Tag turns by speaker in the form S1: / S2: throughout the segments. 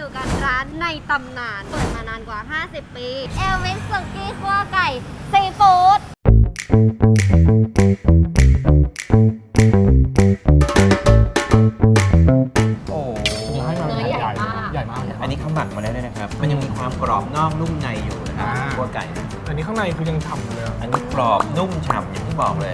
S1: อยู่กันร้านในตำนานเปิดมานานกว่า50 ปีเอลวิสสุกี้คั่วไก่ซีฟู้ด
S2: โอ้เนื้อให้มา
S1: เนื้อใหญ่มาก
S2: ใหญ่มาก
S3: อันนี้เขาหมักมาแล้วด้วยนะครับ มันยังมีความกรอบนอกนุ่มในอยู่นะครับคั่วไก่นะ
S2: อันนี้ข้างในคือยังฉ่ำเลย
S3: อันนี้กรอบนุ่มฉ่ำอย่างที่บอกเลย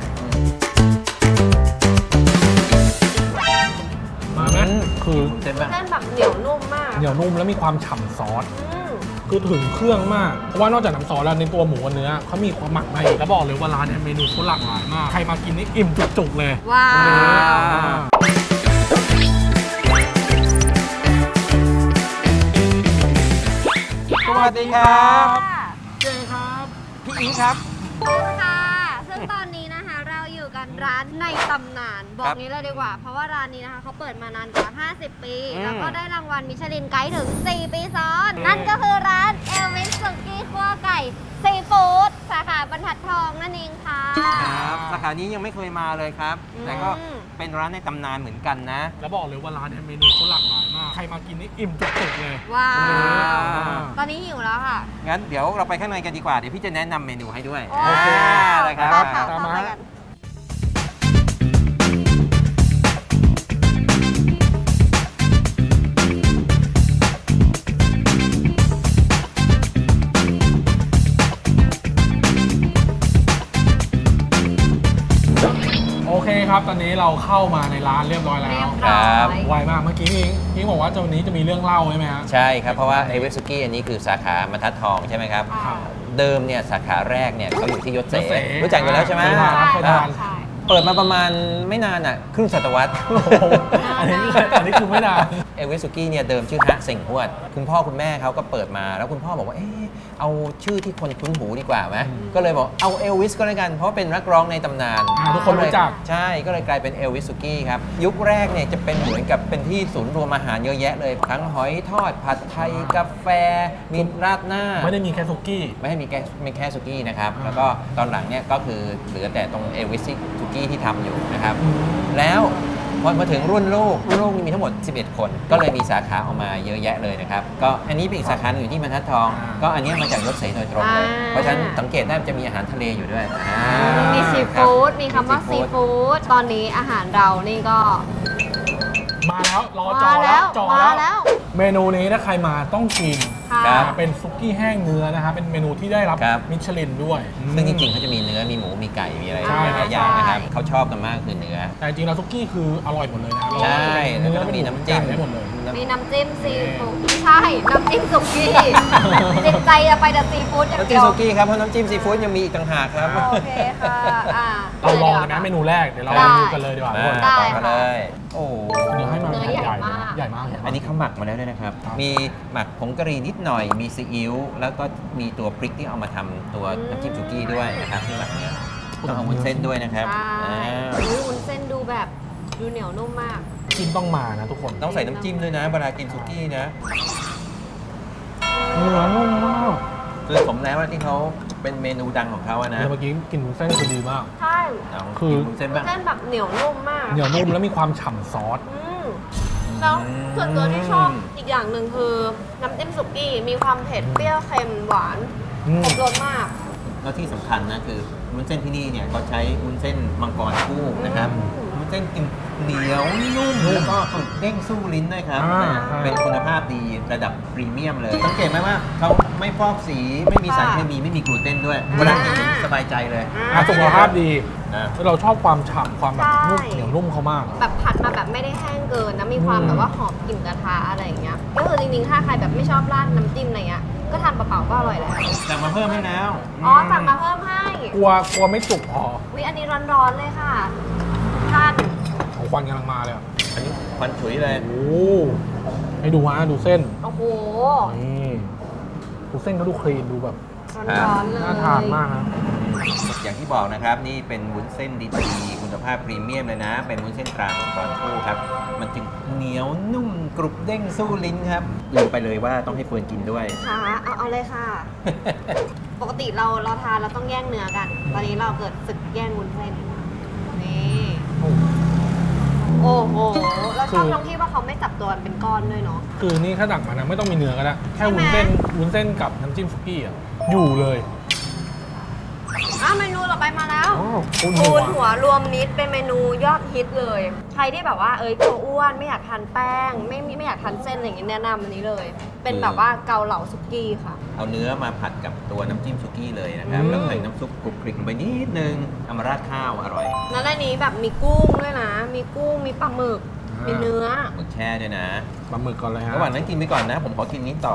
S2: มาไหมคือ
S3: เส้นบ้าง
S1: เส้นแบบเหนียวนุ่มมาก
S2: เหนียวนุ่มแล้วมีความฉ่ำซอสคือถึงเครื่องมากเพราะว่านอกจากน้ำซอสแล้วในตัวหมูกับเนื้อเขามีความหมักมาอีกแล้วบอกเลยว่าร้านเนี่ยเมนูเขาหลากหลายมากใครมากินนี่อิ่มจุกๆเลย
S1: ว้าว
S3: สวัสดีครับ
S2: เจ๊ครับ
S3: พี่อิงครับ
S1: ค่ะซึ่งตอนนี้นะคะเราอยู่กันร้านในตำนานบอกนี้เลยดีกว่า เพราะว่าร้านนี้นะคะเขาเปิดมานานกว่า50 ปี แล้วก็ได้รางวัลมิชลินไกด์ถึง4 ปีซ้อน นั่นก็คือร้านเอลวิสสุกี้คั่วไก่ซีฟู้ดสาขาบรรทัดทองนั่นเองค่ะ
S3: ครับสาขานี้ยังไม่เคยมาเลยครับ แต่ก็เป็นร้านในตำนานเหมือนกันนะ
S2: แล้วบอกเลยว่าร้านเนี่ยเมนูเขาหลากหลายมากใครมากินนี่อิ่มจุกๆเลย
S1: ว้าว
S3: ว้าว
S1: ตอนนี้หิวแล้วค่ะ
S3: งั้นเดี๋ยวเราไปข้างในกันดีกว่า เดี๋ยวพี่จะแนะนำเมนูให้ด้วย
S1: โอเค
S3: เลยครับ
S1: ได้ค่ะ
S2: ตามมา
S1: เข้ไปกัน
S2: โอเคครับตอนนี้เราเข้ามาในร้านเรียบร้อยแล้
S1: เรียว บ
S3: ค
S1: ร้
S3: รั
S1: อบ ย
S2: ไวมากเมื่อกี้พี่บอกว่าวันนี้จะมีเรื่องเล่าใช่ไหมฮะ
S3: ใช่ครับ เพราะว่าเอเวสุกี้อันนี้คือสาขาบรรทัดทองใช่ไหมครับ
S1: ค่ะ
S3: เดิมเนี่ยสาขาแรกเนี่ยเขาอยู่ที่ยศเส
S2: ยศเส
S3: รู้จักอยู่แล้วใช่ไหม
S2: เคยทานครับเคยทาน
S1: ใช่
S3: เปิดมาประมาณไม่นานอ่ะครึ่งศตวรรษ
S2: โอ้โหอันนี้คือไม่นาน
S3: เอเวสุกี้เนี่ยเดิมชื่อฮะเซ็งฮวดคุณพ่อคุณแม่เขาก็เปิดมาแล้วคุณพ่อบอกว่าเอ๊ะเอาชื่อที่คนคุ้นหูดีกว่าไหมก็เลยบอกเอาเอลวิสก็แล้วกันเพราะเป็นนักร้องในตำนาน
S2: ทุกคนรู้จัก
S3: ใช่ก็เลยกลายเป็นเอลวิสสุกี้ครับยุคแรกเนี่ยจะเป็นเหมือนกับเป็นที่ศูนย์รวมอาหารเยอะแยะเลยทั้งหอยทอดผัดไทยกาแฟมีราดหน้า
S2: ไม่ได้มีแค่ซุกี้
S3: ไม่ให้มีแค่สุกี้นะครับ แล้วก็ตอนหลังเนี่ยก็คือเหลือแต่ตรงเอลวิสสุกี้ที่ทำอยู่นะครับ แล้วพอมาถึงรุ่นลูกนี่มีทั้งหมด 11 คน ก็เลยมีสาขาออกมาเยอะแยะเลยนะครับ ก็อันนี้เป็นอีกสาขาหนึ่งอยู่ที่บรรทัดทอง ก็อันนี้มาจากยศเสโดยตรงเลย เพราะฉะนั้นสังเกตได้มันจะมีอาหารทะเลอยู่ด้วย
S1: มีซีฟู้ด มีคำว่าซีฟู้ด ตอนนี้อาหารเรานี่ก็
S2: มาแล้วรอจอ
S1: มา
S2: แล้
S1: แล้ว ว
S2: จอ
S1: มา
S2: แล้ว
S1: แล้ว
S2: เมนูนี้ถ้าใครมาต้องกิน
S1: ค่ะ
S3: ครับ
S2: เป็นซุกี้แห้งเนื้อนะครับเป็นเมนูที่ได้รับ
S3: ครับ
S2: มิชลินด้วย
S3: ซึ่งจริงๆเขาจะมีเนื้อ มีหมู มีไก่ มีอะไร
S2: ใช่
S3: หลายอย่างนะครับ
S1: ใช่
S3: เขาชอบกันมากคือเนื้อ
S2: แต่จริงๆแล้วซุกี้คืออร่อยหมดเลยนะ
S3: ใช่
S2: เนื้
S3: แล้ว
S2: อ
S3: ก็มี
S2: มี
S3: น้ำจิ้ม
S2: ได้หมดเลย
S1: มีน้ำจิ้มซีฟู้ดไม่ใช่ น้ำจิ้มสุกี้ จิตใจจะไปแต่ซีฟู้ดอย่าง
S3: น้ำ
S1: เดี
S3: จิ้ม
S1: ยว
S3: สุกี้ครับ เพราะน้ำจิ้มซีฟู้ดยังมีอีกต่างหากครับ
S1: โอเคค่ะอ่า
S2: เราลองเลยนะเมนูแรกเดี๋ยวเรา
S1: ได้
S2: ดูกันเลยดีกว่าทุกคน
S1: ได้
S3: ต่อกันเลย โอ้
S2: เนื้อให้มา
S1: เนื้อใหญ่มาก
S2: ใหญ่มาก
S3: อันนี้เขาหมักมาแล้วด้วยนะครับ
S2: ครับ
S3: มีหมักผงกะหรี่นิดหน่อย มีซีอิ๊ว แล้วก็มีตัวพริกที่เอามาทำตัวน้ำจิ้มสุกี้ด้วยนะครับที่หมักเนี้ยต้องเอาวุ้นเส้นด้วยนะครับ
S1: ใช่
S3: อ่า
S1: อุ๊ยวุ้นเส้นดูแบบดูเหนียวนุ่มมาก
S2: กินต้องมานะทุกคน
S3: ต้องใส่น้ำจิ้มด้วยนะเวลากินสุกี้นะ
S2: เนื้อนุ่มมาก
S3: คือสมแล้วที่เขาเป็นเมนูดังของเขาอะนะ
S2: เมื่อกี้กินวุ้นเส้นคือดีมาก
S1: ใช่
S3: เอา
S2: คือ
S3: กินวุ้นเส้น
S1: วุ้
S3: บ้าน ง
S1: เส้นแบบเหนียวนุ่มมาก
S2: เหนียวนุ่มแล้วมีความฉ่ำซอส
S1: แล้วส่วนตัวที่ชอบอีกอย่างหนึ่งคือน้ำจิ้มสุกี้มีความเผ็ดเปรี้ยวเค็มหวาน
S2: อืม
S1: ครบรสมาก
S3: แล้วที่สำคัญนะคือวุ้นเส้นที่นี่เนี่ยเขาใช้วุ้นเส้นมังกรคู่นะครับ
S1: อืม
S3: วุ้นเส้นกินเหนียวนุ่มแล้วก็กรุบเด้งสู้ลิ้นด้วยครับ
S2: อ่า
S3: นะเป็นคุณภาพดีระดับพรีเมียมเลย สังเกตไหมว่าเขาไม่ฟอกสีไม่มีสารเคมีไม่มีกลูเตนด้วยเวลากินสบายใจเลย
S2: อ่ะสุขภาพดี
S3: นะ
S2: แล้วเราชอบความฉ่ำความแบบนุ่ม
S1: ใช่
S2: เหนียวนุ่มเขามาก
S1: แบบผัดมาแบบไม่ได้แห้งเกินนะมีความแบบว่าหอมกลิ่นกระทะอะไรอย่างเงี้ยก็คือจริงๆถ้าใครแบบไม่ชอบราดน้ำจิ้มอะไรเงี้ยก็ทานเปล่าๆก็อร่อยแล้ว
S3: สั่งมาเพิ่มให้แล้ว
S1: อ๋อสั่งมาเพิ่มให้
S2: กลัวไม่สุกพอ
S1: วิอันนี้ร้อนๆเลยค่ะท่าน
S2: ของควันกำลังมาเลยอ่ะ
S3: อันนี้ควันฉุยเลย
S2: โอ้ให้ดูฮะดูเส้น
S1: โอ้โห
S2: นี่ดูเส้นเขาดูคลีนดูแบบ
S1: ร้อนๆเลย
S2: น่าทานมากนะ
S3: อย่างที่บอกนะครับนี่เป็นวุ้นเส้นดีๆคุณภาพพรีเมียมเลยนะ เป็นวุ้นเส้นตรามังกรคู่ครับมันจึงเหนียวนุ่มกรุบเด้งสู้ลิ้นครับลืมไปเลยว่าต้องให้เฟิร์นกินด้วย
S1: ค่ะเอาเลยค่ะ ปกติเราทานเราต้องแย่งเนื้อกัน ตอนนี้เราเกิดศึกแย่งวุ้นเส้นนี่โอ้โหเราชอบตรงที่ว่าเขาไม่จับตัวเป็นก้อนด้วยเนาะ
S2: คือนี่ถ้าดักมานะไม่ต้องมีเนื้อก็ได้แค่
S1: ใช่ไหม
S2: วุ้นเส้นกับน้ำจิ้มสุกี้อ่ะอยู่เลย
S1: เมนูต่อไปมาแล้ว
S2: ปูน
S1: ปู
S2: หัว
S1: นหัวรวมมิตรเป็นเมนูยอดฮิตเลย ใครที่แบบว่ากลัวอ้วนไม่อยากทานแป้ง ไม่อยากทานเส้นอะไรอย่างเงี้ยแนะนำอันนี้เลย เป็นแบบว่าเกาเหลาสุกี้ค่ะ
S3: เอาเนื้อมาผัดกับตัวน้ำจิ้มสุกี้เลยนะครับ
S2: อืม
S3: แล้วใส่น้ำซุปกรุบกริบลงไปนิดนึงเอามาราดข้าวอร่อย
S1: แล้วในนี้แบบมีกุ้งด้วยนะ มีกุ้งมีปลาหมึก มีเนื้อ
S3: หมึกแช่ด้วยนะ
S2: ปลาหมึกก่อนเลยฮะ
S3: ระหว่างนั้นกินไปก่อนนะ ผมขอกินนี้ต่อ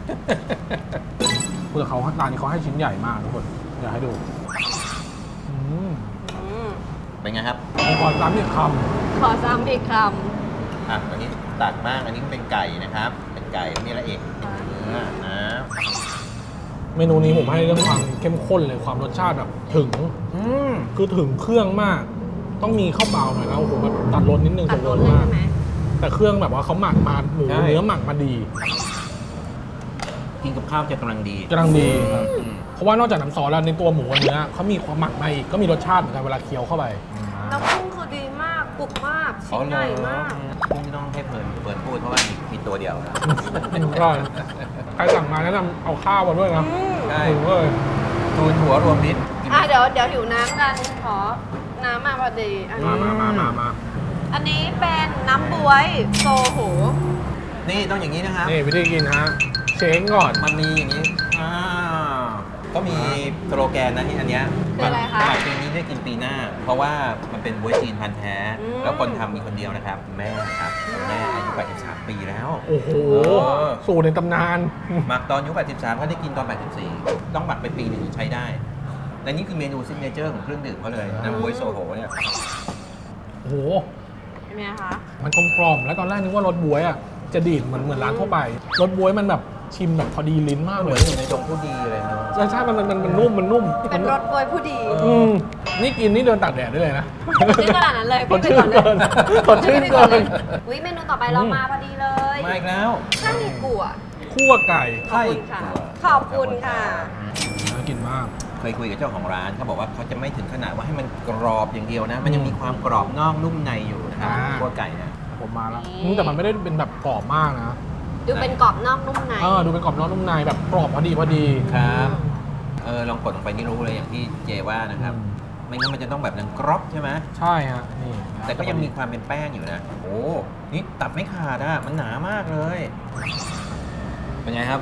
S2: เปลือกเขาร้านนี้เขาให้ชิ้นใหญ่มากทุกคนอยากให้ดูอืม
S3: เป็นไงครับ
S2: ผมขอซ้ำอีกค
S1: ขอซ้ำอีกค
S3: อ่ะอันนี้ตัดมากอันนี้เป็นไก่นะครับ เป็นไก่มีอะไรอีกเนื้อนะ
S2: ำเมนูนี้ผมให้เรื่องความเข้มข้นเลยความรสชาติแบบถึง
S3: อืม
S2: คือถึงเครื่องมาก ต้องมีข้าวเปล่าหน่อยแล้วโอ้โหแบบตัดรสนิดนึง
S1: ำตัดรส
S2: ร
S1: เลย
S2: มาก
S1: ใช่ไหม
S2: แต่เครื่องแบบว่าเขาหมักมาหมูเนื้อหมักมาดี
S3: กินกับข้าวจะกำลังดี
S2: กำลังดีครับ
S3: อืม
S2: เพราะว่านอกจากน้ำซอสแล้วในตัวหมูกับเนื้อเขามีความหมักมาอีกก็มีรสชาติเหมือนกันเวลาเคี้ยวเข้าไป
S1: แล้วกุ้งคือดีมากกรุบมากชิ้นใหญ่มาก
S3: กุ้งไม่ต้องให้เพลินพูดเพราะว่ามีตัวเดียวนะ
S2: ก็ใครสั่งมาแนะนำเอาข้าวมาด้วยนะ
S3: ใช่
S2: ถึงเลย
S3: ทูนหัวรวมมิตรกินไหม
S1: เดี๋ยวหิวน้ำกันขอน้ำมาพอดีอันนี้
S2: มา
S1: อันนี้เป็นน้ำบวยโซโห
S3: นี่ต้องอย่างนี้นะครับ
S2: นี่วิธีกินฮะเช้งก่อน
S3: มันมีอย่างนี้ก็มีสโลแกนนะที่อันเนี้ย
S1: คืออะไรคะ
S3: หมักปีนี้ได้กินปีหน้า เพราะว่ามันเป็นบ๊วยจีนพันธุ์แท้
S1: อืม
S3: แล้วคนทำมีคนเดียวนะครับ แม่ครับแม่อายุ83ปีแล้ว
S2: โอ้โห
S3: เออ
S2: สูตรในตำนาน
S3: หมักตอนอายุ83ก็ได้กินตอน84ต้องหมักไปปีหนึงถึงใช้ได้และนี่คือเมนูซิกเนเจอร์ของเครื่องดื่มเขาเลยน้ำบ๊วยโซโหเนี่ย
S2: โอ้โห
S1: ใช่ไหมคะ
S2: มันกลมๆแล้วตอนแรกนึกว่ารสบ๊วยอ่ะจะดีดเหมือนร้านทั่วไปรสบ๊วยมันแบบชิมแบบพอดีลิ้นมาก
S3: เห
S2: เล
S3: มือย นอยู่ในดงผู้ดีเลยนะ
S2: ใช่มันนุ่ม
S1: เป็นรสบวยผู้ดี
S2: นี่กินนี่เดินตากแดดได้เลยนะ
S1: ชื่อขนาดนั้นเลย
S2: สดชื่นเกินสดชื่นเกิน
S1: อุ้ยเมนูต่อไปเรามาพอดีเลย
S3: มาอีกแล้ว
S1: ข้าวหมี่กั่ว
S2: คั่วไก่
S1: ขอบคุณค่ะขอบคุณค่ะ
S2: น่ากินมาก
S3: เคยคุยกับเจ้าของร้านเขาบอกว่าเขาจะไม่ถึงขนาดว่าให้มันกรอบอย่างเดียวนะ มันยังมีความกรอบนอกนุ่มในอยู่นะครับ
S2: อ่า
S3: คั่วไก่นะ
S2: ผมมาแล้ว
S1: นี่
S2: แต่มันไม่ได้เป็นแบบกรอบมากนะ
S1: ดูเป็นกรอบนอกนุ่มใน
S2: ดูเป็นกรอบนอกนุ่มในแบบกรอบพอดี
S3: ครับลองกดลงไปนี่รู้เลยอย่างที่เจว่านะครับ ไม่งั้นมันจะต้องแบบนั้นกรอบใช่ไหม
S2: ใช่ฮะนี่
S3: แต่ก็ยังมีความเป็นแป้งอยู่นะ โอ้นี่ตัดไม่ขาดอะมันหนามากเลย เป็นไงครับ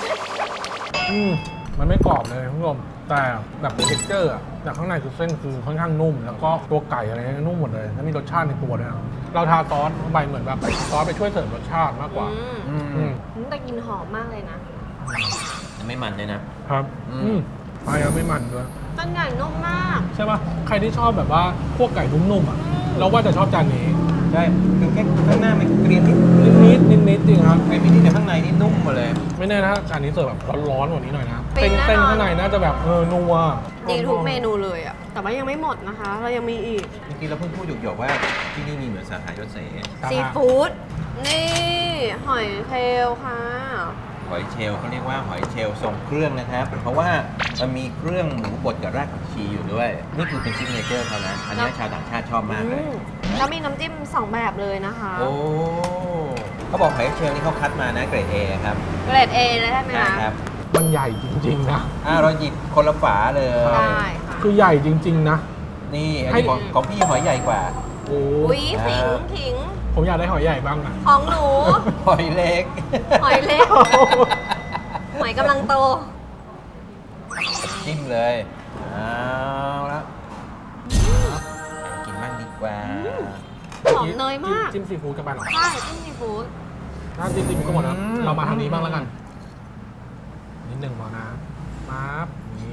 S2: มันไม่กรอบเลยคุณผู้ชมแต่แบบเท็กเจอร์อะแต่ข้างในคือเส้นคือค่อนข้างนุ่ม แล้วก็ตัวไก่อะไรเนี่ยนุ่มหมดเลยแล้วมีรสชาติในตัวด้วยนะเราทาซอสเข้าไปเหมือนแบบซอสไปช่วยเสริมรสชาติมากกว่า อืม
S1: แต่กลินหอมมากเลยนะ
S3: ไม่มันเลยนะ
S2: ครับ
S3: อืม
S2: ไปแล้วไม่มันด้วย
S1: เส้นใหญ่นุ่มมาก
S2: ใช่ปะใครที่ชอบแบบว่าพวกไก่นุ่มๆอ่ะ เราว่าจะชอบจานนี้
S3: ใช่คือแค่ข้างหน้ามันเกรียมนิด
S2: นิดจริงครับ
S3: เกรียมนิดแต่ข้างในนี่นุ่มหมดเลย
S2: ไม่แน่นะจานนี้เสิร์ฟแบบร้อนๆกว่านี้หน่อยนะ
S1: เป็นแน่นอน
S2: เส้นข้างในน่าจะแบบนัว
S1: ดีทุกเมนูเลยอะแต่ว่ายังไม่หมดนะคะ เรายังมีอีก
S3: เมื่อกี้เราเพิ่งพูดหยกๆว่าที่นี่มีเหมือนสาขายศเส
S1: ซีฟู้ด นี่ หอยเทลค่ะ
S3: หอยเชลล์เขาเรียกว่าหอยเชลล์ทรงเครื่องนะครับ เพราะว่ามันมีเครื่องหมูบดกับรากผักชีอยู่ด้วย นี่คือเป็นซิกเนเจอร์เขานะ อันนี้ชาวต่างชาติชอบมากเลย
S1: แล้วมีน้ำจิ้ม 2 แบบเลยนะคะ
S3: โอ้เขาบอกหอยเชลล์นี่เขาคัดมานะเกรด A ครับ
S1: เกรด A เลยใช่ไหม
S3: ใช่
S1: คะ
S3: ครับ
S2: ๆมันใหญ่จริงๆนะ
S3: เราหยิบคนละฝาเลย
S1: ได้ค่ะ
S2: คือใหญ่จริง ๆ นะ
S3: นี่อันนี้ของพี่หอยใหญ่กว่า
S2: โอ้
S1: อุ้ยขิง
S2: ผมอยากได้หอยใหญ่บ้างอ่ะ
S1: ของหนู
S3: หอยเล็ก
S1: หอยเล็ก หอยกำลังโต
S3: จิ้มเลยเอาละกินบ้างดีกว่า
S1: หอมเนยมาก
S2: จิ้มซีฟู้ดกันไปเหรอ
S1: ใช่จิ้มซีฟู้ด
S2: ถ้าจิ้มซีฟู้ดก็หมดนะ
S3: อืม
S2: เรามาทางนี้บ้างแล้วกัน นิดหนึ่งพอนะปั๊บนี่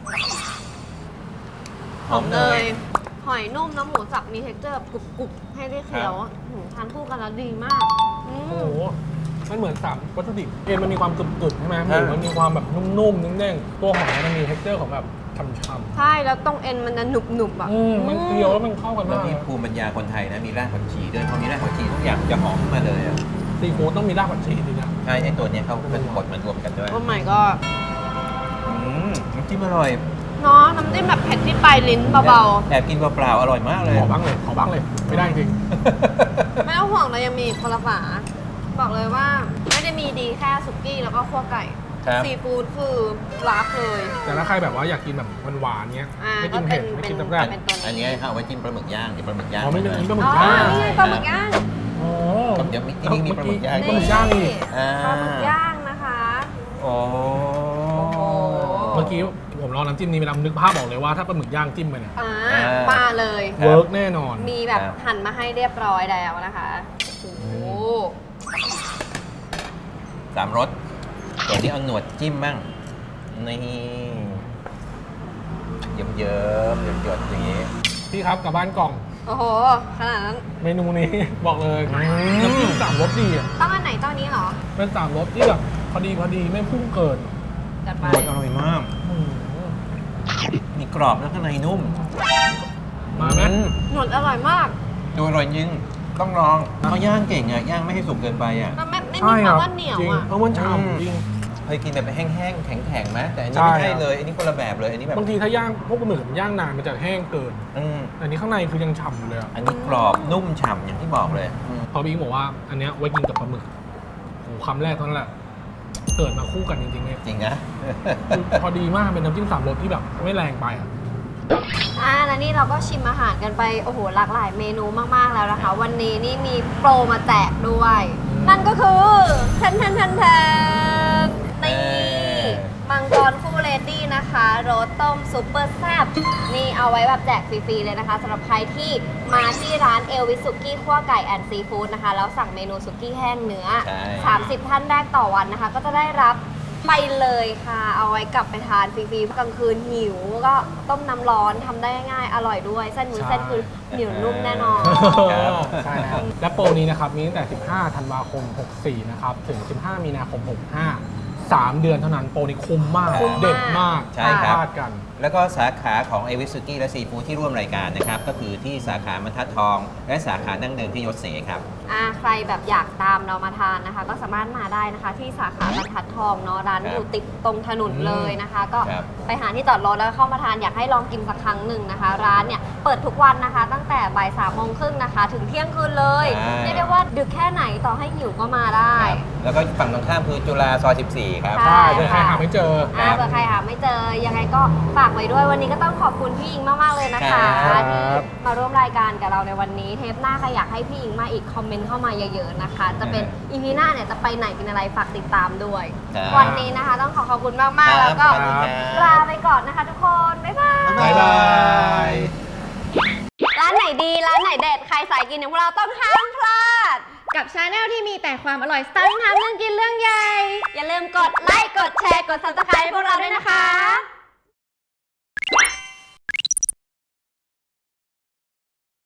S1: หอมเนย หอยนุ่มน้ำหมูสับมีเท็กเจอร์กรุบๆ ให้ได้เคี้ยวทานคู่กันแล้วดีมากอื
S2: โอ้
S1: ม
S2: โหมันเหมือน3วัตถุดิบเอ็นมันมีความกรึบๆใช่ไหมหมูมันมีความแบบนุ่มๆเด้งๆตัวหอยมันมีเท็กเจอร์ของแบบช่ำ
S1: ใช่ แล้วตรงเอ็นมันจะหนุบๆอ่ะ
S2: ๆมันเคี้ยวแล้วมันเข้ากัน
S3: แล้ว
S2: มาก
S3: มีภูมิปัญญาคนไทยนะ มีรากผักชีด้วยพอมีรากผักชีทุกอย่างจะหอมขึ้นมาเลยอะ
S2: ซีฟู้ดต้องมีรากผักชีจริงๆนะ
S3: ใช่ไอตัวเนี้ยเขาเป็นบดมันรวมกันด้วย
S1: โอ้ my god
S3: น้ำจิ้มอร่อย
S1: นเนาะน้ำจิ้มแบบเผ็ดที่ปลายลิ้นเบา
S3: แอบกินเปล่าๆอร่อยมากเลย
S2: ขอบ้างเลยไม่ได้จริง
S1: ๆ ไม่ต้องห่วงเรายังมีคนละฝาบอกเลยว่าไม่ได้มีดีแค่สุกี้แล้วก็คั่วไก่
S3: ครับ
S1: ซีฟู้ดคือรักเลย
S2: แต่ถ้าใครแบบว่าอยากกินแบบหวานๆเงี้ย
S1: อ่า
S2: ไม่กินเผ็ดไม่กิน
S1: ก็
S2: แซ่บ
S1: เป็นตัวนี้
S3: อันนี้เอาไว้จิ้มปลาหมึกย่างเดี๋ยวปลาหมึกย่าง
S2: อ๋อไม่เป็นอันนี้ปลาหมึ
S1: อ๋
S2: ก
S1: อ
S2: ย่าง
S1: นี่ไงปลาหมึกย่าง
S2: อ๋อ
S3: เดี๋ยวที่นี่มีปลาหมึกย่าง
S2: ปลาหมึกย่างอีก
S3: อ่า
S1: ปลาหมึกย่างนะคะ
S3: โอ้
S2: เมื่อกี้ผมลองน้ำจิ้มนี้ไปแล้วนึกภาพออกเลยว่าถ้าปลาหมึกย่างจิ้มไปเนี่ย
S1: มาเลย
S2: เวิร์กแน่นอน
S1: มีแบบหั่นมาให้เรียบร้อยแล้วนะคะโอ้โห
S3: สามรสเดี๋ยวนี้เอาหนวดจิ้มบ้างนี่เยิ้มหยดๆอย่างนี้
S2: พี่ครับกลับบ้านกล่อง
S1: โอ้โหขนาดนั้น
S2: เมนูนี้ บอกเลยน้ำจิ้มสามรสดีอ่ะ
S1: ต้องอันไหนต้องนี้เหรอ
S2: เป็นสามรสที่แบบพอดีไม่พุ่งเกิน
S1: จัด
S3: ห
S1: ไป
S3: นวดอร่อยมาก
S2: อืม
S3: มีกรอบแล้วข้างในนุ่ม
S2: มาไหม
S1: หนวดอร่อยมาก
S3: ดูอร่อยจริงต้องลองเขาย่างเก่งอ่ะย่างไม่ให้สุกเกินไปอ่ะ
S1: มันไม่
S2: ใช่
S1: มี
S2: ค
S1: ค
S2: รั
S1: วา
S2: บ
S1: มว่าเหนียว
S2: จริง
S1: อ่ะ
S2: เพราะมันฉ่ำจริง
S3: เคยกินแบบแห้งๆแข็งๆไหมแต่อันนี้
S2: ใช่
S3: ไม่ใช่เลยอันนี้คนละแบบเลยอันนี้แบบ
S2: บางทีถ้าย่างพวกปลาหมึกมันย่างนานมันจะแห้งเกิน
S3: อืม
S2: อันนี้ข้างในคือยังฉ่ำอยู่เลยอะ
S3: อันนี้กรอบนุ่มฉ่ำอย่างที่บอกเลยอืม
S2: พอพี่อิงบอกว่าอันเนี้ยไว้กินกับปลาหมึกโอ้โหคำแรกเท่านั้นแหละเกิดมาคู่กันจริงๆเลย
S3: จริงนะ
S2: คือพอดีมากเป็นน้ำจิ้มสามรสที่แบบไม่แรงไปอ่ะ
S1: แล้วนี่เราก็ชิมอาหารกันไปโอ้โหหลากหลายเมนูมากๆแล้วนะคะ วันนี้นี่มีโปรมาแจกด้วย นั่นก็คือแทนนี่มังกรคู่เลดี้นะคะโรสต้มซุปเปอร์แซ่บนี่เอาไว้แบบแจกฟรีๆเลยนะคะสำหรับใครที่มาที่ร้านเอลวิสุกี้คั่วไก่แอนด์ซีฟู้ดนะคะแล้วสั่งเมนูสุกี้แห้งเนื้อ
S3: ใช่
S1: 30 ท่านแรกต่อวันนะคะ ก็จะได้รับไปเลยค่ะ เอาไว้กลับไปทานฟรีๆกลางคืนหิวก็ต้มน้ำร้อนทำได้ง่ายอร่อยด้วยเส้น
S2: ใช่
S1: มือเส้นคือเหนียวนุ่มแน่นอน
S3: ครับ
S2: ใช่ครับและโปรนี้นะครับมีตั้งแต่ 15 ธันวาคม 64 นะครับ ถึง 15 มีนาคม 65 3 เดือนเท่านั้นโปรนี้คุ้มมาก
S1: คุ้มมาก
S2: เด็ดมาก
S3: ใช่ครับ
S2: พลาดกัน
S3: แล้วก็สาขาของเอวิสุกี้และซีฟู้ดที่ร่วมรายการนะครับ ก็คือที่สาขาบรรทัดทอง และสาขาดั้งเดิมที่ยศเสครับ
S1: ใครแบบอยากตามเรามาทานนะคะ ก็สามารถมาได้นะคะ ที่สาขาบรรทัดทองเนาะร้าน
S3: ครับ
S1: อยู่ติดตรงถนนเลยนะคะ ก็
S3: ครับ
S1: ไปหาที่จอดรถแล้วเข้ามาทานอยากให้ลองกินสักครั้งหนึ่งนะคะ ร้านเนี่ยเปิดทุกวันนะคะ ตั้งแต่บ่าย3:30นะคะ ถึงเที่ยงคืนเลย
S3: ใช่
S1: เรียกได้ว่าดึกแค่ไหนต่อให้หิวก็มาได้
S3: แล้วก็ฝั่งตรงข้ามคือจุฬาซอย 14 ครับ
S1: ใช่
S2: ใช่เผื่อใครหาไม่เจอ
S3: ครับ
S1: เผื่อใครหาไม่เจอยังไงก็ฝากไว้ด้วยวันนี้ก็ต้องขอบคุณพี่อิงมากๆเลยนะคะ
S3: ครับ
S1: ที่มาร่วมรายการกับเราในวันนี้เทปหน้าใครอยากให้พี่อิงมาอีกคอมเมนต์เข้ามาเยอะๆนะคะ จะเป็นอีพีหน้าเนี่ยจะไปไหนกินอะไรฝากติดตามด้วย
S3: ครับ
S1: วันนี้นะคะต้องขอบคุณมาก
S3: ครั
S1: ๆ
S3: บ
S1: แล้วก็
S3: สวัสดีครับ
S1: ลาไปก่อนนะคะทุกคน บ๊ายบาย
S2: บ๊ายบาย
S1: ร้านไหนดีร้านไหนเด็ดใครสายกินอย่างพวกเราต้องห้ามพลาด กับชาแนลที่มีแต่ความอร่อยสไตล์ทำเรื่องกินเรื่องใหญ่อย่าลืมกดไลค์กดแชร์กด Subscribe พวกเราด้วยนะคะ